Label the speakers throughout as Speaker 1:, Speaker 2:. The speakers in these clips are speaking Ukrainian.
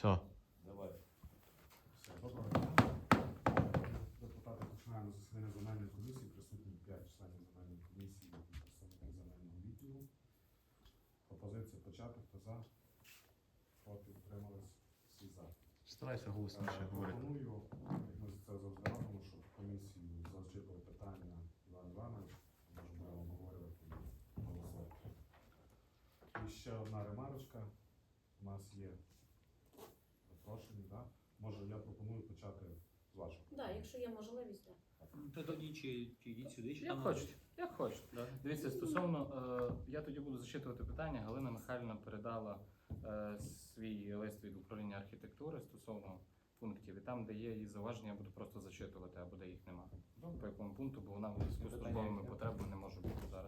Speaker 1: Все.
Speaker 2: Давай.
Speaker 3: Все, доброго дня. Депутати, починаємо засідання земельної комісії. Присутні 5 членів земельної комісії і представники земельного відділу. Пропозиція почати. Хто за? Проти? Утримались? Всі за.
Speaker 1: Старайся голосніше говорити.
Speaker 3: Пропоную, як ми це завжди робимо, щоб комісію зачитували питання Іван Іванович. Може будемо обговорювати і голосувати. І ще одна ремарочка. У нас є запрошені, так? Може, я пропоную почати з вашого.
Speaker 4: Так, якщо є можливість, так.
Speaker 2: То тоді чи йдіть сюди, чи
Speaker 5: Як
Speaker 2: там
Speaker 5: хочете, як хочете.
Speaker 2: Да.
Speaker 5: Дивіться, стосовно, я тоді буду зачитувати питання. Галина Михайлівна передала свій лист від управління архітектури стосовно пунктів. І там, де є її зауваження, я буду просто зачитувати, або де їх немає. По якому пункту, бо вона в зв'язку з службовими потребами не може бути зараз.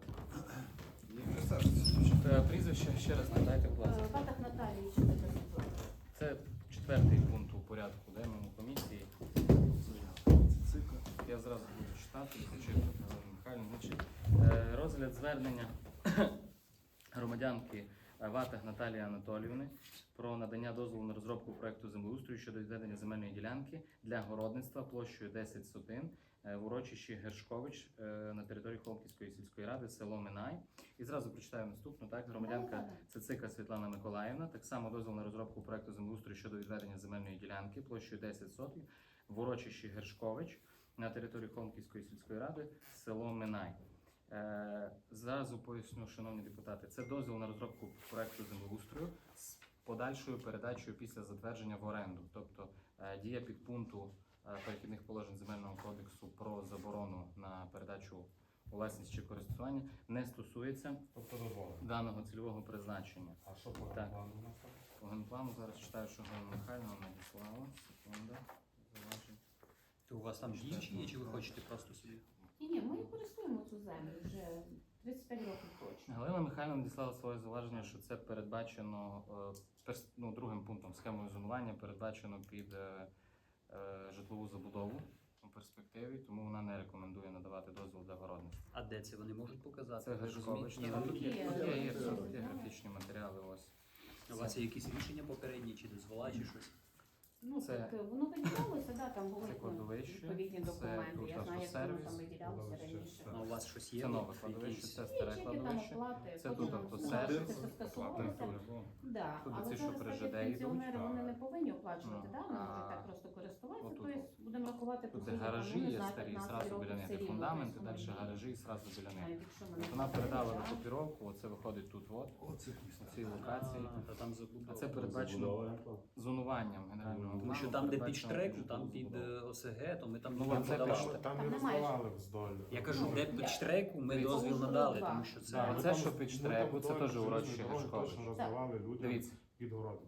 Speaker 5: Прізвище ще раз надайте, будь ласка.
Speaker 4: Патах Наталії, що таке зробила?
Speaker 5: Це 4-й пункт у порядку денному комісії. Я зразу буду читати, зачитувати Галину Михайлівну. Значить, розгляд звернення громадянки Ватаг Наталії Анатоліївни про надання дозволу на розробку проекту землеустрою щодо відведення земельної ділянки для городництва площею 10 сотин в урочищі Гершкович на території Холмківської сільської ради, село Минай. І зразу прочитаю наступну. Так, громадянка Цицика Світлана Миколаївна. Так само дозвіл на розробку проекту землеустрою щодо відведення земельної ділянки площею 10 сотень в урочищі Гершкович на території Холмківської сільської ради, село Минай. Зразу поясню, шановні депутати, це дозвіл на розробку проекту землеустрою з подальшою передачею після затвердження в оренду. Тобто дія підпункту перехідних положень Земельного кодексу про заборону на передачу у власність чи користування не стосується
Speaker 3: Тобто дозволено.
Speaker 5: даного цільового призначення.
Speaker 3: А що по
Speaker 5: Так.
Speaker 3: плану у нас там?
Speaker 5: По генплану зараз читаю, що Галина Михайлівна надіслала. Секунда. Зауважень.
Speaker 2: То у вас там інші є, чи ви хочете просто собі?
Speaker 4: Ні, ми користуємо цю землю вже 35 років точно.
Speaker 5: Галина Михайлівна надіслала своє зауваження, що це передбачено другим пунктом схемою зонування, передбачено під житлову забудову у перспективі, тому вона не рекомендує надавати дозвіл для городництва.
Speaker 2: А де це вони можуть показати?
Speaker 5: Це
Speaker 2: Ви
Speaker 5: Гершкович.
Speaker 2: розумієте?
Speaker 5: Тут
Speaker 4: Є,
Speaker 5: є графічні матеріали. Ось.
Speaker 2: У вас є якісь рішення попередні, чи дозвола, чи щось?
Speaker 4: Ну,
Speaker 5: Це-
Speaker 4: так, воно виділялося, да, там були
Speaker 5: Це кладовище,
Speaker 4: відповідні
Speaker 5: це
Speaker 4: документи.
Speaker 5: тут
Speaker 4: Я знаю, як воно
Speaker 5: автосервіс,
Speaker 4: там виділялося
Speaker 3: кладовище,
Speaker 4: раніше.
Speaker 3: так.
Speaker 2: А у вас щось є?
Speaker 5: Це нове
Speaker 2: Якісь?
Speaker 5: кладовище, це
Speaker 4: Є
Speaker 5: старе
Speaker 4: чеки там
Speaker 5: кладовище.
Speaker 4: оплати,
Speaker 5: Це
Speaker 4: потім
Speaker 5: тут
Speaker 4: нам
Speaker 5: автосервіс.
Speaker 4: сказали, що це все скасовувалося. Да.
Speaker 5: Тут
Speaker 4: Але
Speaker 5: ці, що
Speaker 4: зараз
Speaker 5: при
Speaker 4: так як
Speaker 5: ЖД йдуть,
Speaker 4: пенсіонери, вони
Speaker 3: так.
Speaker 4: не повинні оплачувати,
Speaker 5: Ну,
Speaker 4: да? Вони
Speaker 5: а
Speaker 4: можуть так просто користуватися,
Speaker 5: отут
Speaker 4: тобто будемо рахувати
Speaker 5: Тут
Speaker 4: по
Speaker 5: де
Speaker 4: суті,
Speaker 5: гаражі
Speaker 4: там, ну, не
Speaker 5: є
Speaker 4: знаю,
Speaker 5: старі,
Speaker 4: 15
Speaker 5: зразу
Speaker 4: років
Speaker 5: біля них
Speaker 4: все
Speaker 5: є
Speaker 4: рівно,
Speaker 5: фундаменти,
Speaker 4: тобто воно
Speaker 5: далі
Speaker 4: є.
Speaker 5: гаражі і зразу біля них.
Speaker 4: Навіть якщо ми не
Speaker 5: Вона передала
Speaker 4: платимо,
Speaker 5: на
Speaker 4: да.
Speaker 5: копіровку, оце виходить тут, от, у цій локації.
Speaker 2: Та там забудова.
Speaker 5: А це передбачено зонуванням генерального
Speaker 2: Тому
Speaker 5: плану.
Speaker 2: що там, де під
Speaker 5: передбачено
Speaker 2: штрек,
Speaker 5: під
Speaker 2: там під
Speaker 5: забудову.
Speaker 2: ОСГ, то ми там
Speaker 5: Ну,
Speaker 2: не
Speaker 5: це
Speaker 2: подавали.
Speaker 5: під-
Speaker 3: Там
Speaker 4: Там
Speaker 3: не
Speaker 4: немає
Speaker 3: роздавали вздоль.
Speaker 2: Я кажу,
Speaker 4: Ну,
Speaker 2: де під
Speaker 4: я-
Speaker 2: штреку ми
Speaker 5: Дивіться,
Speaker 2: дозвіл
Speaker 4: Ужгород
Speaker 2: надали,
Speaker 4: два.
Speaker 2: тому що
Speaker 5: Да,
Speaker 2: це...
Speaker 5: оце, що під штреку, це теж урочище
Speaker 3: Гершкович.
Speaker 5: Гершкович.
Speaker 3: Точно роздавали людям
Speaker 5: Дивіться,
Speaker 3: під городи.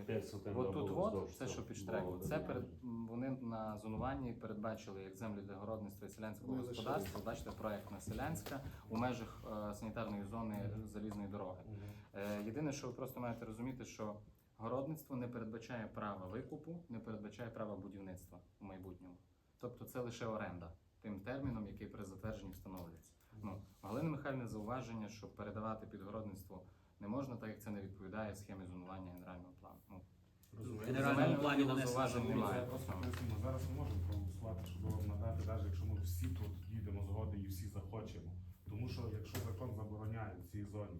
Speaker 5: от тут от, це що під штреку, це вони на зонуванні передбачили як землі для городництва і селянського
Speaker 3: Ну,
Speaker 5: господарства. Бачите, проектна селянська у межах санітарної зони залізної дороги. Єдине, що ви просто маєте розуміти, що городництво не передбачає права викупу, не передбачає права будівництва у майбутньому. Тобто це лише оренда тим терміном, який при затвердженні встановлюється. Ну, Галина Михайлівна зауваження, що передавати під городництво не можна, так як це не відповідає схемі зонування генерального плану. Ну,
Speaker 2: В генеральному плані нанесено
Speaker 5: зауважень
Speaker 2: зауваження.
Speaker 5: немає.
Speaker 3: Просто пояснимо, зараз ми можемо проголосувати, щоб вам надати, навіть якщо ми всі тут дійдемо згоди і всі захочемо. Тому що якщо закон забороняє в цій зоні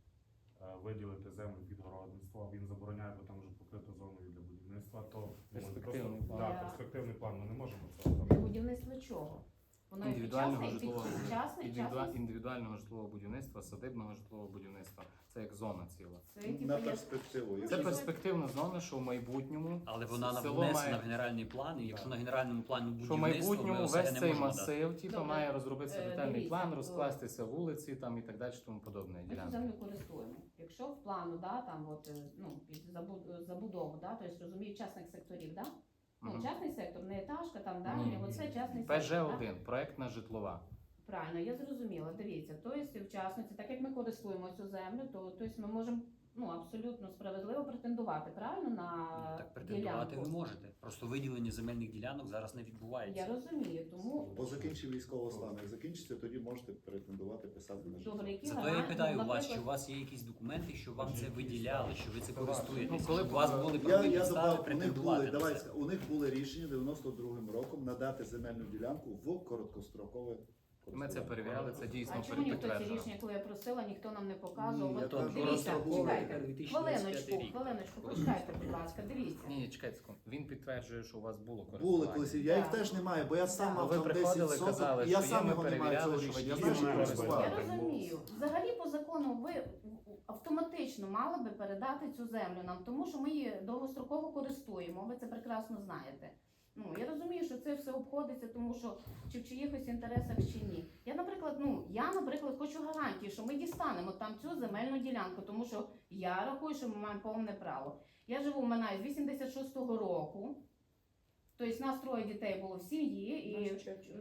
Speaker 3: виділити землю під городництво, а він забороняє, бо там вже покрито зоною для будівництва, то
Speaker 5: Перспективний план.
Speaker 3: Да,
Speaker 4: Я-
Speaker 3: перспективний план, ми не можемо цього.
Speaker 4: Для будівництва чого? Воно і
Speaker 5: Індивідуального
Speaker 4: підчасне, і
Speaker 5: житлового
Speaker 4: підчасне, і частне.
Speaker 5: індивідуального житлового будівництва, садибного житлового будівництва. Це як зона ціла.
Speaker 4: Це типу,
Speaker 1: На
Speaker 4: є-
Speaker 1: перспективу.
Speaker 5: Це перспективна зона, що в майбутньому
Speaker 2: Але вона
Speaker 5: село
Speaker 2: внесена
Speaker 5: має-
Speaker 2: в генеральний план, і якщо
Speaker 3: Да.
Speaker 2: на генеральному плані
Speaker 5: що в
Speaker 2: будівництво, ми
Speaker 5: майбутньому
Speaker 2: ОСГ
Speaker 5: весь
Speaker 2: не
Speaker 5: цей
Speaker 2: можемо дати.
Speaker 5: масив типу,
Speaker 4: Добре.
Speaker 5: має розробитися детальний
Speaker 4: Дивіться,
Speaker 5: план, розкластися вулиці там і так далі, тому подобне.
Speaker 4: Ми цю
Speaker 5: Ділянки.
Speaker 4: землю користуємо. Якщо в плану, да, там от, ну, під забудову, да, тобто розумію, частних секторів, да? Ну,
Speaker 5: Мгм.
Speaker 4: частний сектор, не етажка, там, да,
Speaker 5: Ні,
Speaker 4: оце частний
Speaker 5: ПЖ
Speaker 4: сектор. да?
Speaker 5: 1 проектна житлова.
Speaker 4: Правильно, я зрозуміла. Дивіться, тобто в частності, так як ми користуємо цю землю, то тобто ми можемо ну, абсолютно справедливо претендувати, правильно, на
Speaker 2: Так Претендувати ви
Speaker 4: ділянку.
Speaker 2: можете. Просто виділення земельних ділянок зараз не
Speaker 4: Я
Speaker 2: відбувається.
Speaker 4: розумію, тому
Speaker 1: Бо закінчив військовий стан. Як закінчиться, тоді можете претендувати писати на
Speaker 4: добре, які
Speaker 2: Зато я і
Speaker 4: гарантії,
Speaker 2: питаю у вас,
Speaker 4: наприклад,
Speaker 2: чи у вас є якісь документи, що вам це виділяли, що ви це
Speaker 3: Це
Speaker 2: користуєтесь,
Speaker 3: ваше.
Speaker 2: щоб у вас були
Speaker 1: Я
Speaker 2: правові підстави
Speaker 1: добав, у них
Speaker 2: претендувати
Speaker 1: були,
Speaker 2: на
Speaker 1: давай,
Speaker 2: це.
Speaker 1: у них були рішення 92-м роком надати земельну ділянку в короткострокове
Speaker 5: Ми це перевіряли, це дійсно
Speaker 4: а чому ніхто ці
Speaker 5: підтверджено.
Speaker 4: рішення, коли я просила, ніхто нам не показував?
Speaker 1: Ні, я
Speaker 4: От
Speaker 1: кажу,
Speaker 4: дивіться,
Speaker 2: розраховую
Speaker 4: чекайте,
Speaker 2: тепер 2025 рік.
Speaker 4: хвилиночку, почекайте, будь ласка, дивіться.
Speaker 5: Ні, чекайте секунду. Він підтверджує, що у вас було
Speaker 1: Були
Speaker 5: користування.
Speaker 1: колись, я їх
Speaker 4: Так.
Speaker 1: теж не маю, бо я сам
Speaker 4: Так.
Speaker 1: мав
Speaker 5: Ви
Speaker 1: там 10
Speaker 5: приходили,
Speaker 1: соток,
Speaker 5: казали,
Speaker 1: і я
Speaker 5: що
Speaker 1: сам
Speaker 5: є,
Speaker 1: його
Speaker 5: ми
Speaker 1: не маю
Speaker 5: перевіряли,
Speaker 1: цього
Speaker 5: що
Speaker 1: рішення. Я
Speaker 5: ви
Speaker 1: знаю, що
Speaker 5: дійсно
Speaker 1: користував.
Speaker 4: Я розумію. Взагалі по закону ви автоматично мали би передати цю землю нам, тому що ми її довгостроково користуємо. Ви це прекрасно знаєте. Ну я розумію, що це все обходиться, тому що чи в чиїхось інтересах чи ні. Я, наприклад, хочу гарантії, що ми дістанемо там цю земельну ділянку, тому що я рахую, що ми маємо повне право. Я живу в Минаї з 86-го року. Тобто нас 3 дітей було в сім'ї і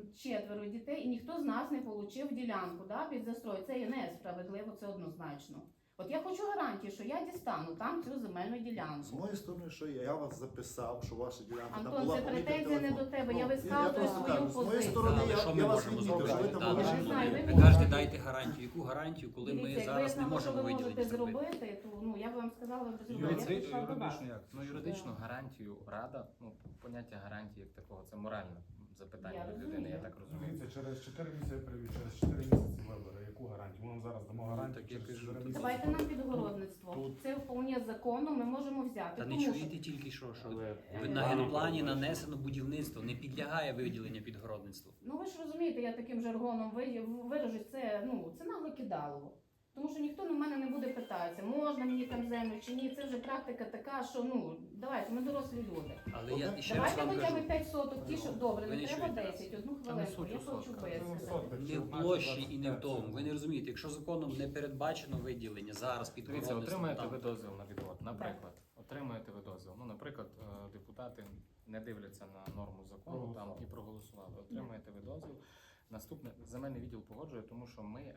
Speaker 4: 4 дітей, і ніхто з нас не отримав ділянку під застрой. Це є несправедливо, це однозначно. От я хочу гарантії, що я дістану там цю земельну
Speaker 1: З
Speaker 4: ділянку.
Speaker 1: моєї сторони, що я вас записав, що ваша ділянка там
Speaker 4: Антон,
Speaker 1: була
Speaker 4: це
Speaker 1: помітна
Speaker 4: претензія не
Speaker 1: телефон.
Speaker 4: до тебе,
Speaker 1: Ну,
Speaker 4: я висказую
Speaker 1: просто
Speaker 4: свою
Speaker 1: кажу, з моєї
Speaker 4: позицію.
Speaker 1: сторони,
Speaker 2: Але що
Speaker 1: я
Speaker 2: ми
Speaker 1: вас
Speaker 2: можемо
Speaker 1: відмітив, що ви
Speaker 2: зробити?
Speaker 1: там
Speaker 2: Так,
Speaker 1: були.
Speaker 4: Я не знаю, ви
Speaker 2: ви
Speaker 4: мені
Speaker 2: кажете,
Speaker 4: кажете.
Speaker 2: дайте гарантію. Яку гарантію, коли ми
Speaker 4: Дивіться,
Speaker 2: зараз не
Speaker 4: якби я знала, що
Speaker 2: можемо
Speaker 4: ви
Speaker 2: виділення
Speaker 4: можете
Speaker 2: зробити?
Speaker 4: зробити, то я б вам сказала, ви зробили. Я прийшла до вас.
Speaker 5: Ну, юридичну гарантію рада, поняття гарантії як такого, це моральне запитання
Speaker 4: Я
Speaker 5: від людини,
Speaker 4: розумію.
Speaker 5: я так розумію.
Speaker 3: Дивіться, через 4 місяці привів, через 4 місяці вибори. Яку гарантію? Ми вам зараз дамо гарантію
Speaker 2: так я
Speaker 3: через
Speaker 2: кажу,
Speaker 3: 4
Speaker 2: тут
Speaker 3: місяці.
Speaker 4: Давайте нам підгородництво.
Speaker 3: Тут-
Speaker 4: Це вполне законно, ми можемо взяти.
Speaker 2: Та не
Speaker 4: тому що
Speaker 2: чуєте тільки що
Speaker 3: Але
Speaker 2: на генплані нанесено будівництво, не підлягає виділення під городництво.
Speaker 4: Ну ви ж розумієте, я таким жаргоном виражусь, це нагле кидалово. Тому що ніхто на мене не буде питатися, можна мені там землю чи ні. Це вже практика така, що давайте, ми дорослі люди.
Speaker 2: Але я ще раз
Speaker 4: Давайте
Speaker 2: вам
Speaker 4: хоча б
Speaker 2: кажу,
Speaker 4: 5 соток, ті, що добре,
Speaker 2: Ви
Speaker 4: не
Speaker 2: не
Speaker 4: треба
Speaker 2: чуєте
Speaker 4: 10, одну
Speaker 5: Та не
Speaker 4: хвилинку,
Speaker 5: суть
Speaker 4: я
Speaker 5: у
Speaker 4: хочу
Speaker 5: сотках.
Speaker 4: висказати.
Speaker 2: не в площі і не в тому. Ви не розумієте, якщо законом не передбачено виділення зараз під
Speaker 5: Дивіться,
Speaker 2: городництво,
Speaker 5: отримаєте
Speaker 2: там
Speaker 5: ви дозвіл на відвод. Наприклад, отримаєте ви дозвіл. Ну, наприклад, депутати не дивляться на норму закону там і проголосували. Отримаєте ви дозвіл. Наступне земельний відділ погоджує, тому що ми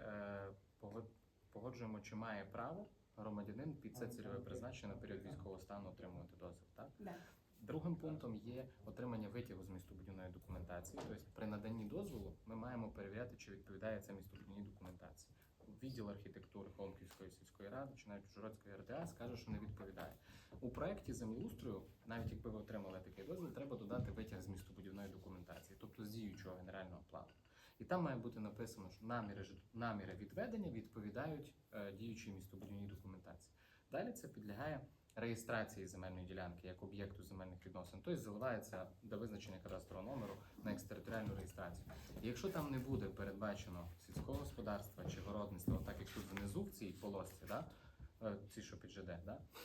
Speaker 5: погоджуємо, чи має право громадянин під це цільове призначення на період військового стану отримувати дозвіл. Так?
Speaker 4: Да.
Speaker 5: Другим пунктом є отримання витягу з містобудівної документації. Тобто при наданні дозволу ми маємо перевіряти, чи відповідає це містобудівній документації. Відділ архітектури Холмківської сільської ради чи навіть Ужгородської РДА скаже, що не відповідає. У проєкті землеустрою, навіть якби ви отримали такий дозвіл, треба додати витяг з містобудівної документації, тобто з діючого генерального плану. І там має бути написано, що наміри відведення відповідають діючій містобудівній документації. Далі це підлягає реєстрації земельної ділянки як об'єкту земельних відносин, тобто заливається до визначення кадастрового номеру на екстериторіальну реєстрацію. І якщо там не буде передбачено сільського господарства чи городництва, так як тут внизу в цій полосці, ці, що під ЖД,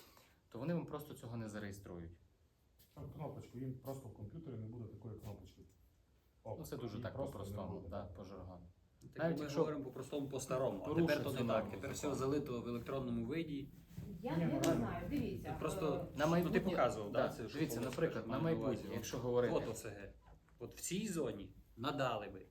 Speaker 5: то вони вам просто цього не зареєструють.
Speaker 3: Там кнопочку, їм просто в комп'ютері не буде такої кнопочки.
Speaker 5: Ну, це дуже
Speaker 3: Її
Speaker 5: так
Speaker 3: просто не
Speaker 5: по-простому,
Speaker 3: буде.
Speaker 5: по жаргону.
Speaker 2: Так
Speaker 5: Навіть
Speaker 2: ми
Speaker 5: якщо
Speaker 2: говоримо по-простому, по-старому. А
Speaker 5: порушить
Speaker 2: тепер то
Speaker 5: цю
Speaker 2: не так.
Speaker 5: норму
Speaker 2: Тепер все
Speaker 5: закону.
Speaker 2: залито в електронному виді.
Speaker 4: Я
Speaker 3: Ні,
Speaker 4: не
Speaker 3: реально.
Speaker 4: знаю, дивіться.
Speaker 2: Просто
Speaker 5: На
Speaker 2: ти
Speaker 5: майбутнє,
Speaker 2: показував,
Speaker 5: да,
Speaker 2: це, що
Speaker 5: дивіться,
Speaker 2: було,
Speaker 5: наприклад,
Speaker 2: що
Speaker 5: на
Speaker 2: маю на увазі.
Speaker 5: майбутнє, якщо говорити,
Speaker 2: От ОСГ. От в цій зоні надали би.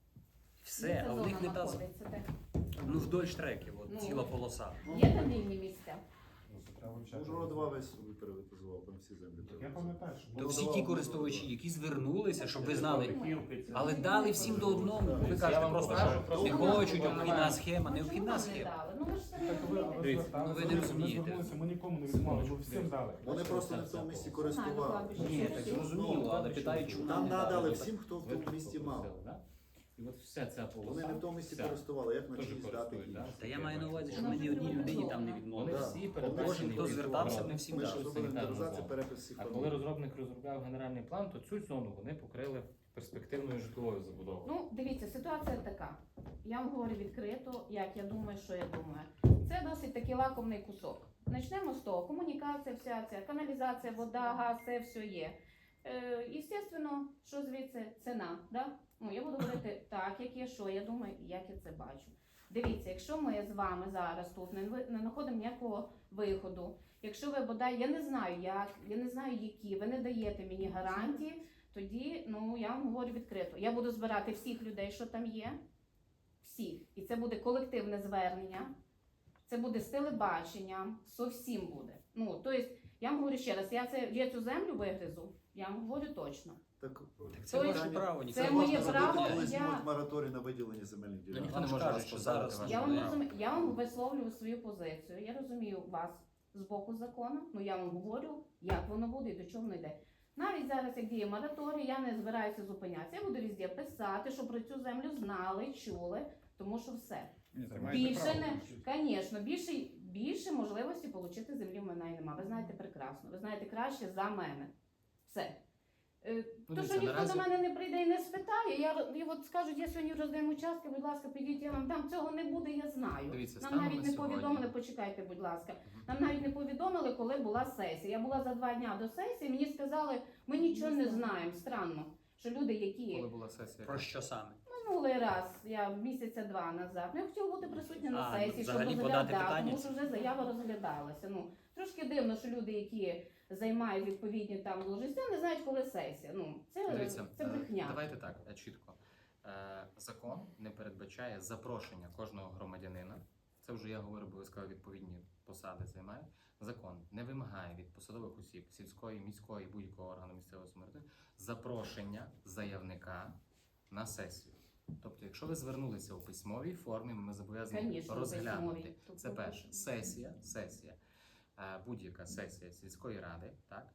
Speaker 2: Все,
Speaker 4: Де ця
Speaker 2: а в них
Speaker 4: зона
Speaker 2: не та
Speaker 4: знаходиться, де?
Speaker 2: вдоль штреків, от
Speaker 4: Ну.
Speaker 2: ціла полоса.
Speaker 4: Є там вільні місця?
Speaker 3: Ну, це треба вивчати.
Speaker 1: Ужгородова весь собі приватизував, там всі землі
Speaker 3: Я
Speaker 1: приватизував.
Speaker 3: пам'ятаю, що
Speaker 2: То
Speaker 3: було.
Speaker 2: всі ті користувачі, які звернулися, щоб ви знали,
Speaker 4: Ми.
Speaker 2: але дали всім до одного. Ви
Speaker 5: Я
Speaker 2: кажете,
Speaker 5: вам
Speaker 2: просто
Speaker 5: покажу,
Speaker 2: що
Speaker 5: просто
Speaker 2: не
Speaker 5: не
Speaker 2: хочуть,
Speaker 5: знаю.
Speaker 2: обхідна схема,
Speaker 4: Ну, чому
Speaker 2: необхідна
Speaker 4: нам не
Speaker 2: схема.
Speaker 4: дали? Ну ви ж самі
Speaker 3: Так ви
Speaker 4: розумієте.
Speaker 5: Дивіться,
Speaker 3: зверталися,
Speaker 2: ну, ви не розумієте.
Speaker 3: Ми звернулися, ми нікому не відмовили, бо всім дали.
Speaker 1: Вони просто не в тому місці користували.
Speaker 2: Ні, так зрозуміло, але питають, чому
Speaker 1: Нам
Speaker 2: нам не
Speaker 1: надали
Speaker 2: дали.
Speaker 1: всім, хто в тому місці мав.
Speaker 5: І от вся ця полоса.
Speaker 1: Вони не в тому місці
Speaker 5: вся,
Speaker 1: користували, як на
Speaker 5: теж
Speaker 1: чиїсь дати
Speaker 5: користують,
Speaker 1: інші.
Speaker 5: да?
Speaker 2: Та я маю на увазі, що
Speaker 4: Вона
Speaker 2: ми ні
Speaker 4: вже
Speaker 2: одній людині там не
Speaker 4: приватизована.
Speaker 5: Вони
Speaker 2: відмовили.
Speaker 5: всі
Speaker 1: Да.
Speaker 5: передбачені.
Speaker 2: Кожен, хто звертався, ми всім
Speaker 1: Ми ж
Speaker 2: дали.
Speaker 1: робили
Speaker 5: Санітарну
Speaker 1: інвентаризацію,
Speaker 5: зону.
Speaker 1: перепис всіх
Speaker 5: А коли
Speaker 1: формулів.
Speaker 5: розробник розробляв генеральний план, то цю зону вони покрили перспективною житловою забудовою.
Speaker 4: Ну, дивіться, ситуація така. Я вам говорю відкрито, як я думаю, що я думаю. Це досить такий лакомний кусок. Почнемо з того. Комунікація, вся ця каналізація, вода, газ, це все є. Єстественно, що звідси ціна. Да? Ну, я буду говорити так, як є, що я думаю, як я це бачу. Дивіться, якщо ми з вами зараз тут не знаходимо ніякого виходу, якщо ви бодай, я не знаю як, я не знаю які, ви не даєте мені гарантії, тоді, я вам говорю відкрито, я буду збирати всіх людей, що там є, всіх. І це буде колективне звернення, це буде з телебаченням, со всім буде. Тобто, Я вам говорю ще раз, я цю землю вигризу, я вам говорю точно.
Speaker 1: Так,
Speaker 2: Це
Speaker 4: То
Speaker 2: ваше
Speaker 4: есть
Speaker 2: право, ніхто
Speaker 4: це
Speaker 2: не
Speaker 4: моє
Speaker 2: може
Speaker 4: право,
Speaker 2: забороняти.
Speaker 1: коли
Speaker 4: я-
Speaker 1: знімуть мораторій на виділення земельних
Speaker 2: Ну,
Speaker 1: ділянок.
Speaker 2: ніхто не
Speaker 5: Ніхто не
Speaker 2: каже,
Speaker 5: може
Speaker 2: що
Speaker 5: поставити
Speaker 2: зараз
Speaker 5: ваше
Speaker 4: Я
Speaker 2: можна.
Speaker 4: вам розумію, я вам висловлюю свою позицію. Я розумію вас з боку закону, ну я вам говорю, як воно буде і до чого воно йде. Навіть зараз, як діє мораторій, я не збираюся зупинятися. Я буду везде писати, щоб про цю землю знали, чули, тому що все. Більше не, звісно, більше можливості отримати землі в мене і нема. Ви знаєте прекрасно, ви знаєте краще за мене. Все. То,
Speaker 5: дивіться,
Speaker 4: що ніхто
Speaker 5: наразі-
Speaker 4: до мене не прийде і не спитає, і от скажуть, я сьогодні роздаємо участки, будь ласка, підіть, я вам там цього не буде, я знаю.
Speaker 5: Дивіться,
Speaker 4: Нам
Speaker 5: станом
Speaker 4: навіть
Speaker 5: на
Speaker 4: не
Speaker 5: сьогодні-
Speaker 4: повідомили, почекайте, будь ласка.
Speaker 5: Мгм.
Speaker 4: Нам навіть не повідомили, коли була сесія. Я була за 2 дня до сесії, мені сказали, ми нічого не знаємо. Странно, що люди, які
Speaker 5: Коли була сесія.
Speaker 2: Про що саме?
Speaker 4: минулий раз, я місяця 2 назад, я хотіла бути присутня на
Speaker 2: А,
Speaker 4: сесії, щоб
Speaker 2: взагалі подати
Speaker 4: розглядати,
Speaker 2: питання?
Speaker 4: тому що вже заява розглядалася. Ну, трошки дивно, що люди, які займають відповідні там должності, не знають, коли сесія. Ну,
Speaker 5: Дивіться,
Speaker 4: це брехня.
Speaker 5: давайте так, чітко. Закон не передбачає запрошення кожного громадянина. Це вже я говорю, бо ви сказали, відповідні посади займають. Закон не вимагає від посадових осіб сільської, міської, будь-якого органу місцевого самоврядування запрошення заявника на сесію. Тобто, якщо ви звернулися у письмовій формі, ми зобов'язані
Speaker 4: Конечно,
Speaker 5: розглянути.
Speaker 4: письмовій.
Speaker 5: Це перше. Сесія. Будь-яка сесія сільської ради, так?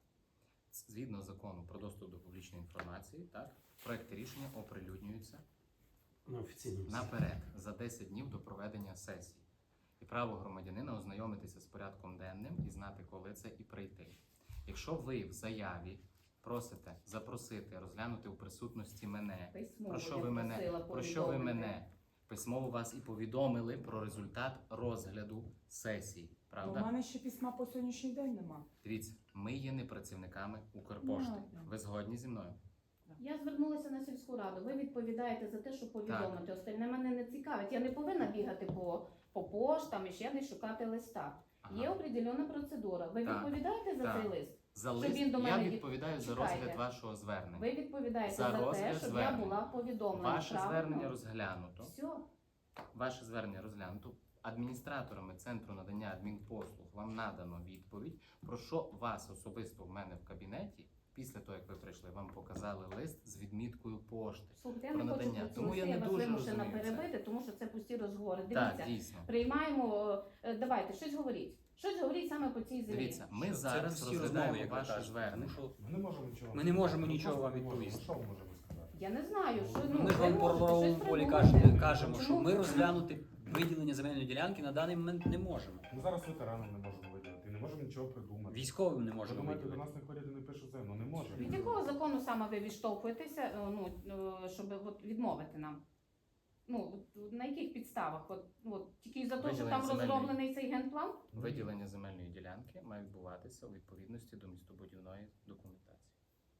Speaker 5: Згідно закону про доступ до публічної інформації, так? Проекти рішення оприлюднюються
Speaker 6: На офіційному
Speaker 5: наперед за 10 днів до проведення сесії. І право громадянина ознайомитися з порядком денним і знати, коли це і прийти. Якщо ви в заяві просите запросити, розглянути у присутності мене,
Speaker 4: Письмово
Speaker 5: про що
Speaker 4: я
Speaker 5: ви мене,
Speaker 4: просила
Speaker 5: про що ви
Speaker 4: повідомити.
Speaker 5: мене письмово вас і повідомили про результат розгляду сесії.
Speaker 7: У
Speaker 5: Правда?
Speaker 7: мене ще письма по сьогоднішній день нема.
Speaker 5: Дивіться, ми є не працівниками Укрпошти.
Speaker 7: Понятно.
Speaker 5: Ви згодні зі мною?
Speaker 4: Я звернулася на сільську раду. Ви відповідаєте за те, що повідомити. Остальне мене не цікавить. Я не повинна бігати по поштам і ще десь шукати листа.
Speaker 5: Ага.
Speaker 4: Є определена процедура. Ви
Speaker 5: Так.
Speaker 4: відповідаєте за
Speaker 5: Так.
Speaker 4: цей лист?
Speaker 5: За
Speaker 4: Щоб
Speaker 5: лист
Speaker 4: він до
Speaker 5: я
Speaker 4: мене
Speaker 5: відповідаю за
Speaker 4: Чекайте.
Speaker 5: розгляд вашого звернення.
Speaker 4: Ви відповідаєте
Speaker 5: За
Speaker 4: за, те,
Speaker 5: розгляд
Speaker 4: щоб
Speaker 5: звернення.
Speaker 4: я була повідомлена.
Speaker 5: Ваше
Speaker 4: правильно?
Speaker 5: звернення розглянуто.
Speaker 4: Все.
Speaker 5: Ваше звернення розглянуто. Адміністраторами Центру надання адмінпослуг вам надано відповідь, про що вас особисто в мене в кабінеті, після того, як ви прийшли, вам показали лист з відміткою пошти.
Speaker 4: Слухайте, я
Speaker 5: Про
Speaker 4: не хочу
Speaker 5: надання.
Speaker 4: про цю
Speaker 5: Тому я
Speaker 4: листи,
Speaker 5: не
Speaker 4: вас
Speaker 5: дуже
Speaker 4: вимушена
Speaker 5: розумію це.
Speaker 4: перебити, тому що це пусті розговори.
Speaker 5: Так,
Speaker 4: Дивіться,
Speaker 5: дійсно.
Speaker 4: приймаємо, давайте, щось говоріть. Щось говоріть саме по цій землі.
Speaker 5: Дивіться, ми
Speaker 2: Це
Speaker 5: зараз
Speaker 2: всі розмови,
Speaker 5: розглядаємо
Speaker 2: як ви
Speaker 5: ваше
Speaker 2: кажете.
Speaker 5: звернення.
Speaker 2: Тому що
Speaker 3: Ми не можемо нічого.
Speaker 2: Ми не можемо
Speaker 3: Ми
Speaker 2: нічого
Speaker 3: просто
Speaker 2: вам
Speaker 3: не можемо.
Speaker 2: відповісти.
Speaker 3: Що ми можемо сказати?
Speaker 4: Я не знаю, що
Speaker 2: Ну, ми ж
Speaker 4: ви
Speaker 2: вам по
Speaker 4: можете
Speaker 2: правовому
Speaker 4: щось
Speaker 2: полі
Speaker 4: придумати.
Speaker 2: кажемо, що
Speaker 4: Чому?
Speaker 2: ми розглянути виділення земельної ділянки на даний момент не можемо.
Speaker 3: Ми зараз ветеранам не можемо виділити, не можемо нічого придумати.
Speaker 2: Військовим не
Speaker 3: Ви
Speaker 2: можемо
Speaker 3: думаєте, до
Speaker 2: виділити.
Speaker 3: нас не ходять і не пишуть це? Ну не можемо.
Speaker 4: Від якого закону саме ви відштовхуєтеся, щоб от відмовити нам? Ну, от на яких підставах? От тільки за те, що
Speaker 5: Виділення
Speaker 4: там
Speaker 5: земельної-
Speaker 4: розроблений цей генплан?
Speaker 5: Виділення земельної ділянки має відбуватися у відповідності до містобудівної документації.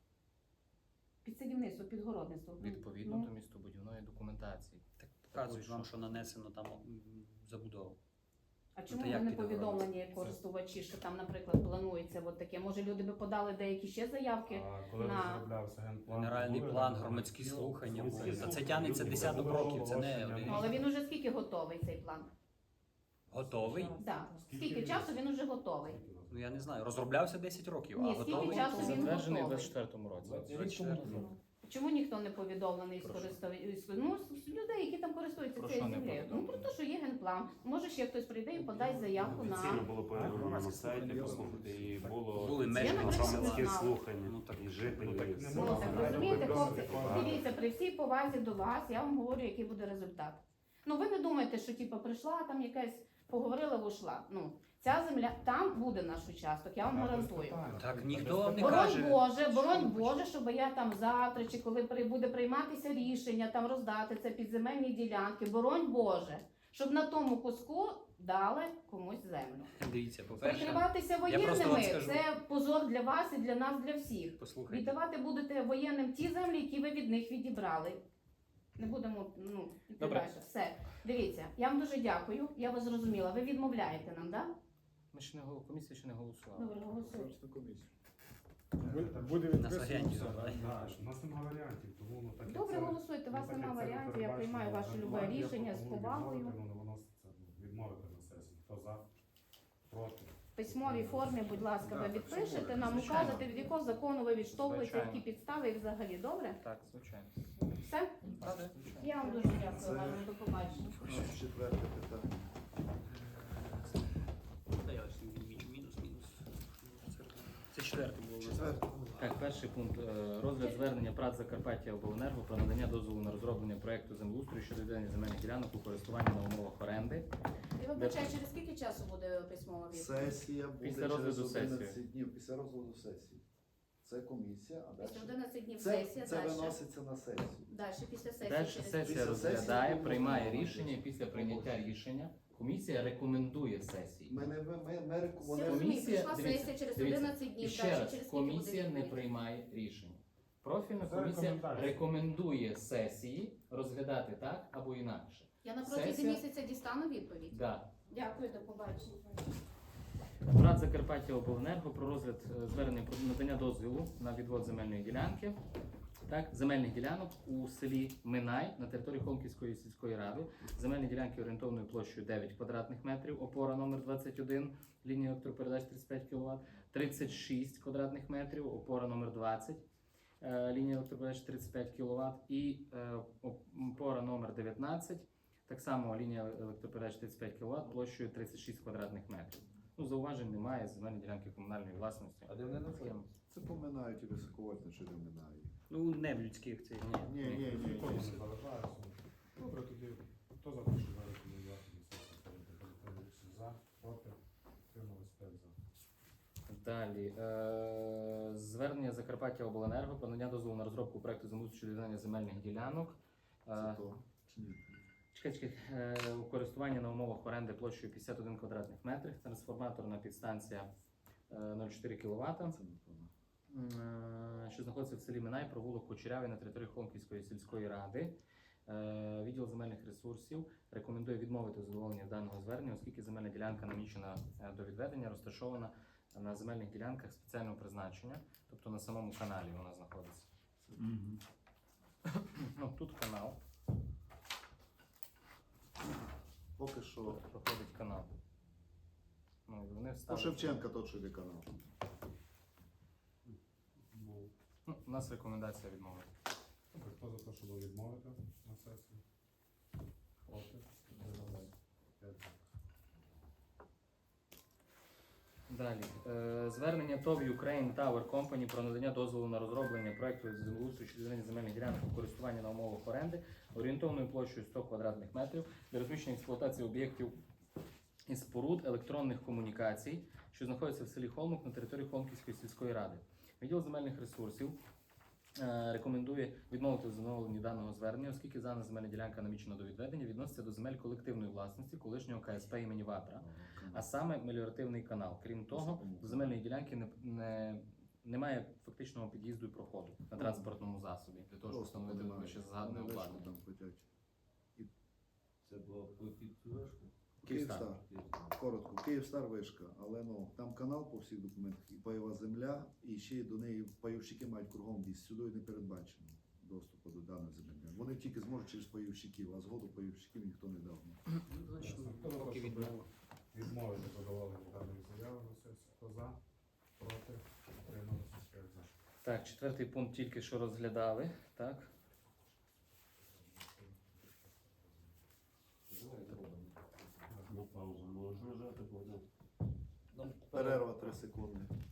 Speaker 4: Під садівництво, під городництво.
Speaker 5: Відповідно
Speaker 4: Ну,
Speaker 5: до містобудівної документації.
Speaker 2: Так показують
Speaker 5: що?
Speaker 2: вам, що нанесено там забудову.
Speaker 4: А чому
Speaker 2: як
Speaker 4: ви не
Speaker 2: під
Speaker 4: повідомлені користувачі, що там, наприклад, планується от таке? Може, люди би подали деякі ще заявки?
Speaker 3: А коли
Speaker 4: на-
Speaker 3: розроблявся генплан,
Speaker 2: Генеральний
Speaker 3: були
Speaker 2: план,
Speaker 3: генплани?
Speaker 2: громадські слухання
Speaker 3: Громадські
Speaker 2: були. Та це
Speaker 3: слухання
Speaker 2: тягнеться
Speaker 3: були,
Speaker 2: десяток
Speaker 3: було
Speaker 2: років, це не
Speaker 3: оголошення,
Speaker 2: один
Speaker 4: Ну, але він уже скільки готовий цей план?
Speaker 2: Готовий?
Speaker 4: Так.
Speaker 3: Скільки
Speaker 4: Скільки
Speaker 3: він
Speaker 4: часу він уже готовий?
Speaker 2: Ну я не знаю. Розроблявся 10 років,
Speaker 4: Ні,
Speaker 2: а
Speaker 4: скільки
Speaker 2: готовий.
Speaker 4: часу він
Speaker 5: Затверджений у
Speaker 4: готовий?
Speaker 5: 24-му році.
Speaker 2: 24-му.
Speaker 4: Чому ніхто не повідомлений з
Speaker 5: Про що?
Speaker 4: користувачів? Ну, з людей, які там користуються
Speaker 5: Про
Speaker 4: цією
Speaker 5: що не
Speaker 4: землею. Ну, про
Speaker 5: повідомлені?
Speaker 4: те, що є генплан. Може, ще хтось прийде і подасть заявку
Speaker 6: Офіційно
Speaker 4: на...
Speaker 6: було повідомлено на сайті, послухати, і було
Speaker 2: Були
Speaker 4: Я,
Speaker 2: мешканці
Speaker 4: наприклад,
Speaker 6: громадські
Speaker 4: не знала.
Speaker 6: слухання,
Speaker 2: Ну, так-
Speaker 6: і жителі.
Speaker 3: ну, так
Speaker 6: і
Speaker 3: не
Speaker 6: все.
Speaker 3: можна.
Speaker 4: Ну, так
Speaker 3: Правильно,
Speaker 4: розумієте,
Speaker 3: повідомити,
Speaker 4: хлопці,
Speaker 3: правильно.
Speaker 4: дивіться, при всій повазі до вас, я вам говорю, який буде результат. Ну, ви не думаєте, що типу, прийшла там якась, поговорила, ушла. Ну, ця земля, там буде наш участок, я вам
Speaker 3: Так, без
Speaker 4: гарантую.
Speaker 3: питань.
Speaker 2: Так,
Speaker 3: Без
Speaker 2: ніхто вам не
Speaker 3: питань.
Speaker 2: каже.
Speaker 4: Боронь Боже, щоб я там завтра, чи коли буде прийматися рішення, там роздати це під земельні ділянки, боронь Боже, щоб на тому куску дали комусь землю.
Speaker 2: Дивіться, по-перше,
Speaker 4: Прикриватися
Speaker 2: просто вам
Speaker 4: воєнними
Speaker 2: скажу.
Speaker 4: це позор для вас і для нас, для всіх.
Speaker 2: послухайте.
Speaker 4: Віддавати будете воєнним ті землі, які ви від них відібрали. Не будемо, ну, йти
Speaker 2: Добре.
Speaker 4: далі. Все. Дивіться, я вам дуже дякую. Я вас зрозуміла. Ви відмовляєте нам, так?
Speaker 5: Ми ще не комісія ще не голосувала.
Speaker 4: Добре, голосуйте.
Speaker 1: Селищна комісія.
Speaker 3: Буде
Speaker 2: На
Speaker 3: відписано
Speaker 2: агенті
Speaker 3: все.
Speaker 2: забирай.
Speaker 3: Да, У нас немає варіантів, тому ну, так як
Speaker 4: Добре,
Speaker 3: це-
Speaker 4: голосуйте. У вас
Speaker 3: ну, так
Speaker 4: немає
Speaker 3: як це
Speaker 4: варіантів. Я
Speaker 3: передбачено
Speaker 4: приймаю ваше любе
Speaker 3: регламентом, я
Speaker 4: рішення з
Speaker 3: пропоную
Speaker 4: повагою.
Speaker 3: відмовити, ну, воно це, відмовити на сесії. Хто за? Проти?
Speaker 4: письмовій формі, будь ласка, ви
Speaker 3: Так, так, все
Speaker 4: відпишете,
Speaker 3: буде.
Speaker 4: нам
Speaker 5: Звичайно.
Speaker 4: укажете, від якого закону ви відштовхуєте,
Speaker 5: Звичайно.
Speaker 4: які підстави і взагалі. Добре?
Speaker 5: Так, звичайно.
Speaker 4: Все?
Speaker 5: Так, звичайно.
Speaker 4: Я вам дуже дякую,
Speaker 1: Це-
Speaker 4: Олена, до побачення.
Speaker 1: Четверте питання.
Speaker 2: Та я ось мінус. Це четверте було.
Speaker 1: Четверте.
Speaker 5: Так, перший пункт. Розгляд звернення ПрАТ Закарпаття Обленерго про надання дозволу на розроблення проекту землеустрою щодо відведення земельних ділянок у користування на умовах оренди.
Speaker 4: Я вибачаю, через скільки часу буде письмова відповідь?
Speaker 1: Сесія буде
Speaker 5: Після
Speaker 1: через
Speaker 5: розгляду
Speaker 1: 11
Speaker 5: сесії.
Speaker 1: днів. Після розгляду сесії. Це комісія, а
Speaker 4: Після
Speaker 1: далі.
Speaker 4: 11 днів
Speaker 1: Це
Speaker 4: сесія, далі.
Speaker 1: виноситься на сесію.
Speaker 4: Далі, після сесії.
Speaker 5: Далі
Speaker 4: через
Speaker 5: сесія
Speaker 1: Після
Speaker 5: розглядає,
Speaker 1: сесії
Speaker 5: приймає
Speaker 1: буде
Speaker 5: рішення, і після прийняття рішення комісія рекомендує сесії.
Speaker 1: Ми не
Speaker 4: Всі
Speaker 5: Комісія-
Speaker 4: розуміють, прийшла
Speaker 5: дивіться,
Speaker 4: сесія через
Speaker 5: дивіться,
Speaker 4: 11
Speaker 5: І
Speaker 4: днів,
Speaker 5: ще
Speaker 4: далі
Speaker 5: раз,
Speaker 4: через скільки буде
Speaker 5: комісія не
Speaker 4: відповідь?
Speaker 5: приймає рішення. Профільна
Speaker 3: Це
Speaker 5: комісія
Speaker 3: рекомендація.
Speaker 5: рекомендує сесії розглядати так або інакше.
Speaker 4: Я на протязі
Speaker 5: Сесія-
Speaker 4: місяця дістану відповідь.
Speaker 5: Да.
Speaker 4: Дякую, до побачення.
Speaker 5: ПрАТ Закарпаття Обленерго про розгляд звернення про надання дозволу на відвод земельної ділянки. Так, земельних ділянок у селі Минай на території Холмківської сільської ради. Земельні ділянки орієнтовною площею 9 квадратних метрів, опора номер 21, лінія електропередач 35 кВт, 36 квадратних метрів, опора номер 20, лінія електропередач 35 кВт і опора номер 19, так само лінія електропередач 35 кВт, площею 36 квадратних метрів. Ну, зауважень немає, земельні ділянки комунальної власності.
Speaker 6: А де вони знаходяться?
Speaker 1: Це поминають і високовольтне, чи не минають.
Speaker 2: Ну, не в людських цих.
Speaker 1: Ні, ні, ні.
Speaker 3: Нікому не заважається. Добре, тоді хто за те, що зарекомендувати на сесії перед за, проти, утримались 5 за.
Speaker 5: Далі. Звернення Закарпаття Обленерго про надання дозволу на розробку проекту землеустрою щодо відведення земельних ділянок.
Speaker 1: Це то. Чи ні?
Speaker 5: Чекай, у користуванні на умовах оренди площею 51 квадратних метрів, трансформаторна підстанція 0,4 кВт,
Speaker 1: Це не то.
Speaker 5: що знаходиться в селі Минай, провулок Кучерявий на території Холмківської сільської ради. Відділ земельних ресурсів рекомендує відмовити задоволення даного звернення, оскільки земельна ділянка намічена до відведення, розташована на земельних ділянках спеціального призначення, тобто на самому каналі вона знаходиться. Ну, тут канал,
Speaker 1: Поки що.
Speaker 5: проходить канал. Ну, і вони
Speaker 1: По
Speaker 5: вставили.
Speaker 1: Шевченка тот, що йде канал.
Speaker 5: Ну, у нас рекомендація відмовити.
Speaker 3: Добре, хто за те, щоб відмовити на сесії? Проти, утримались 5 за.
Speaker 5: Далі. Звернення ТОВ Ukraine Tower Company про надання дозволу на розроблення проекту землеустрою щодо відведення земельних ділянок у користування на умовах оренди орієнтовною площею 100 квадратних метрів для розміщення експлуатації об'єктів і споруд електронних комунікацій, що знаходяться в селі Холмок на території Холмківської сільської ради. Відділ земельних ресурсів рекомендує відмовити в задоволенні даного звернення, оскільки дана земельна ділянка намічена до відведення, відноситься до земель колективної власності колишнього КСП імені Ватра, а саме меліоративний канал. Крім того, до земельної ділянки немає фактичного під'їзду і проходу на транспортному засобі для того, щоб встановити вище згадане обладнання.
Speaker 1: Там хотять.
Speaker 6: Це було під вишку.
Speaker 1: Київстар. Коротко, Київстар вишка, але ну там канал по всіх документах і пайова земля, і ще й до неї пайовщики мають кругом в'їзд. Сюди не передбачено доступу до даної землі. Вони тільки зможуть через пайовщиків, а згоду пайовщиків ніхто не дав.
Speaker 2: Ну, значить,
Speaker 3: Хто за те,
Speaker 2: поки
Speaker 3: щоб
Speaker 2: відмова.
Speaker 3: відмовити задоволення даної заяви на сесії? Хто за, проти, утримались 5 за.
Speaker 5: Так, четвертий пункт тільки що розглядали. Так.
Speaker 6: Ну, паузу можна жати, бо
Speaker 1: Перерва 3 секунди.